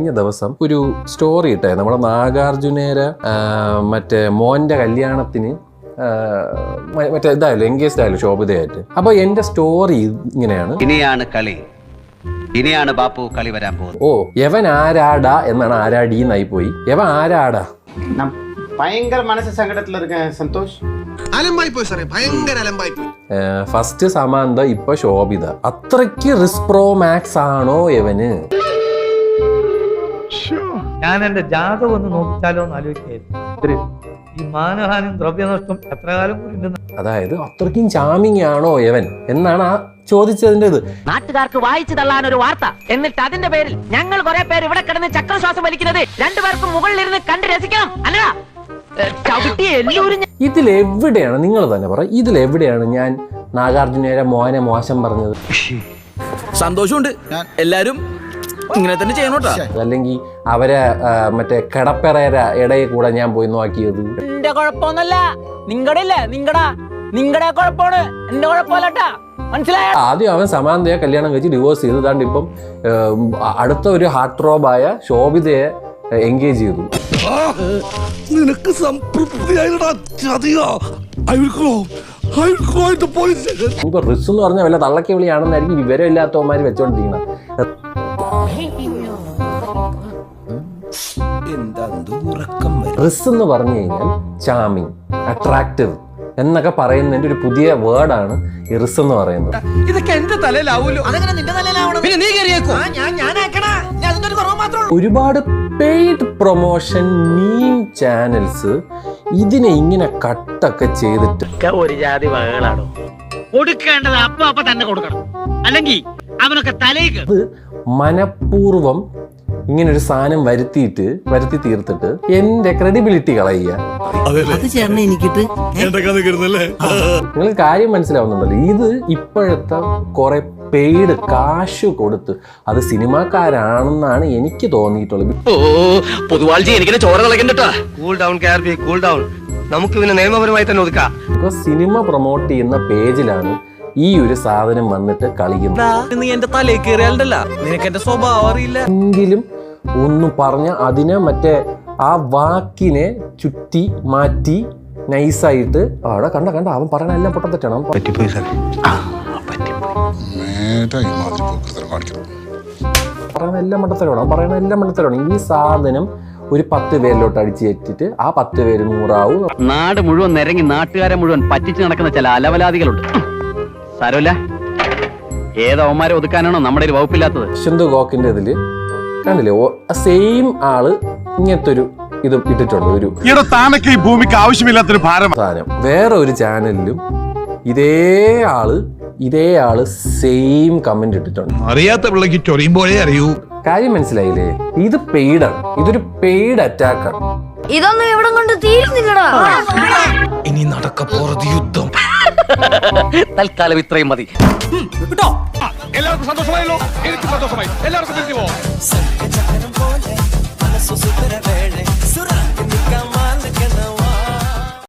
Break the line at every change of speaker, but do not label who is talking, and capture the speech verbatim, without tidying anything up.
കഴിഞ്ഞ ദിവസം ഒരു സ്റ്റോറി ഇട്ടേ നമ്മുടെ നാഗാർജുനേര മറ്റേ മോന്റെ കല്യാണത്തിന് മറ്റേ ഇതായാലും എൻഗേജ്ഡ് ആയാലും ശോഭിതയായിട്ട്. അപ്പൊ എന്റെ സ്റ്റോറി ഇങ്ങനെയാണ്.
ഇനിയാണ് കളി, ഇനിയാണ് ബാപ്പു കളി വരാൻ പോകുന്നത്.
ഓ യവൻ ആരാടാ എന്നാണ് ആരാടീന്നായി പോയി. യവൻ ആരാടാ?
ഭയങ്കര മനസ്സ് സങ്കടത്തിലിരിക്ക സന്തോഷ്.
ഫസ്റ്റ് സമാന്ത, ഇപ്പൊ ശോഭിത. അത്രയ്ക്ക് റിസ്ക് പ്രോ മാക്സ് ആണോ യവന്?
ഞാൻ എന്റെ ജാതകം ഒന്ന് നോക്കിച്ചാലോ എന്ന് ആലോചിക്കായിരുന്നു. ഈ മാനഹാനും ദ്രവ്യനഷ്ടം എത്ര കാലം കൂടി.
അതായത് അത്രയ്ക്കും ചാമിങ് ആണോ യവൻ എന്നാണ് ആ ചോദിച്ചതിന്റെ ഇത്.
നാട്ടുകാർക്ക് വായിച്ചു തള്ളാൻ ഒരു വാർത്ത, എന്നിട്ട് അതിന്റെ പേരിൽ ഞങ്ങൾ കുറെ പേര് ഇവിടെ കിടന്ന് ചക്രശ്വാസം വലിക്കുന്നത് രണ്ടുപേർക്കും മുകളിലിരുന്ന് കണ്ട് രസിക്കണം. അല്ല
ഇതിലെവിടെയാണ്, നിങ്ങൾ തന്നെ പറ, ഇതിലെവിടെയാണ് ഞാൻ നാഗാർജുനേര മോനെ മോശം പറഞ്ഞത്?
സന്തോഷമുണ്ട്, എല്ലാരും ഇങ്ങനെ തന്നെ ചെയ്യണോട്ടാ.
അല്ലെങ്കിൽ അവരെ മറ്റേ കിടപ്പറേര ഇടയിൽ കൂടെ ഞാൻ പോയി നോക്കിയത്.
എന്റെ കുഴപ്പമൊന്നല്ല, നിങ്ങളുടെ ഇല്ലേ നിങ്ങടാ നിങ്ങളുടെ കുഴപ്പമാണ്, എന്റെ കുഴപ്പമല്ലട്ടാ. മനസ്സിലായ?
ആദ്യം അവൻ സമാന്തയെ കല്യാണം കഴിച്ച് ഡിവോഴ്സ് ചെയ്തു. താണ്ട് ഇപ്പം അടുത്ത ഒരു ഹാർട്ട് റോബായ ശോഭിതയെ എൻഗേജ് ചെയ്തു.
നിനക്ക്
ഇപ്പൊ റിസ് എന്ന് പറഞ്ഞാൽ വല്ല തള്ളക്കി വിളിയാണെന്നായിരിക്കും വിവരം ഇല്ലാത്തവന്മാര് വെച്ചോണ്ടിരിക്കണം. റിസ് എന്ന് പറഞ്ഞു കഴിഞ്ഞാൽ ചാമിങ്, അട്രാക്റ്റീവ് എന്നൊക്കെ പറയുന്നതിന്റെ ഒരു പുതിയ വേർഡാണ് ഈ റിസ് എന്ന് പറയുന്നത്.
ഇതൊക്കെ എന്റെ തലയിലാവൂലോ.
ഒരുപാട് പെയ്ഡ് പ്രൊമോഷൻ മീം ചാനൽസ് ഇതിനെ ഇങ്ങനെ കട്ടൊക്കെ ചെയ്തിട്ട്
ഒരു ജാതി വകകളാണോ കൊടുക്കേണ്ടത്? അപ്പൊ അപ്പൊ തന്നെ കൊടുക്കണം, അല്ലെങ്കിൽ അവനൊക്കെ തലേക്ക്.
അത് മനഃപൂർവം ഇങ്ങനെ ഒരു സാധനം വരുത്തിയിട്ട് വരുത്തി തീർത്തിട്ട് എന്റെ ക്രെഡിബിലിറ്റി കളയുക. നിങ്ങൾ കാര്യം മനസ്സിലാവുന്നുണ്ടല്ലോ. ഇത് ഇപ്പോഴത്തെ കുറെ പെയ്ഡ് കാശ് കൊടുത്ത് അത് സിനിമാക്കാരാണെന്നാണ് എനിക്ക് തോന്നിയിട്ടുള്ളത്.
നമുക്ക് പിന്നെ നിയമപരമായി തന്നെ ഒതുക്കാം.
സിനിമ പ്രൊമോട്ട് ചെയ്യുന്ന പേജിലാണ് ഈ ഒരു സാധനം വന്നിട്ട് കളിക്കുന്നത്.
എന്റെ തലയിൽ കയറിയാലല്ല, നിനക്ക് എന്റെ സ്വഭാവം അറിയില്ല.
എങ്കിലും ഒന്ന് പറഞ്ഞ അതിനെ മറ്റേ ആ വാക്കിനെ ചുറ്റി മാറ്റി നൈസായിട്ട് അവിടെ കണ്ട കണ്ട അവൻ പറയണ എല്ലാം പൊട്ടത്തെറ്റാണ്. പറയണ എല്ലാം മണ്ടത്തരമാണ്, അവൻ പറയണ എല്ലാം മണ്ടത്തരമാണ്. ഈ സാധനം ഒരു പത്ത് പേരിലോട്ട് അടിച്ചു കയറ്റിട്ട് ആ പത്ത് പേര് നൂറാവും.
നാട് മുഴുവൻ നിരങ്ങി നാട്ടുകാരെ മുഴുവൻ പറ്റിച്ച് നടക്കുന്ന ചില അലവലാദികളുണ്ട്. സാരമില്ല, ഏതവന്മാരെ ഒതുക്കാനാണോ നമ്മുടെ ഒരു വകുപ്പില്ലാത്തത്?
ഷിന്ദു ഗോക്കിന്റെ ഇതില് കണ്ടില്ലേ, സെയിം ആള് ഇങ്ങനത്തെ ഒരു ഇത് ഇട്ടിട്ടുണ്ട്. ഒരു
ഈ ഭൂമിക്ക് ആവശ്യമില്ലാത്തൊരു ഭാരം
സാധനം വേറെ ഒരു ചാനലിലും ഇതേ ആള് ഇതേ ആള് സെയിം കമന്റ് ഇട്ടിട്ടുണ്ട്.
അറിയാത്ത പിള്ളക്ക് ചൊറിയുമ്പോഴേ അറിയൂ.
കാര്യം മനസ്സിലായില്ലേ? ഇത് പെയ്ഡാണ്, ഇതൊരു പെയ്ഡ് അറ്റാക്കാണ്.
ഇതൊന്നും എവിടെ കൊണ്ട് തീരുന്നില്ലടാ.
ഇനി നടക്കപ്പോറത് യുദ്ധം.
തൽക്കാലം ഇത്രയും മതി.
എല്ലാവർക്കും സന്തോഷമായല്ലോ. എനിക്ക് സന്തോഷമായി. എല്ലാവർക്കും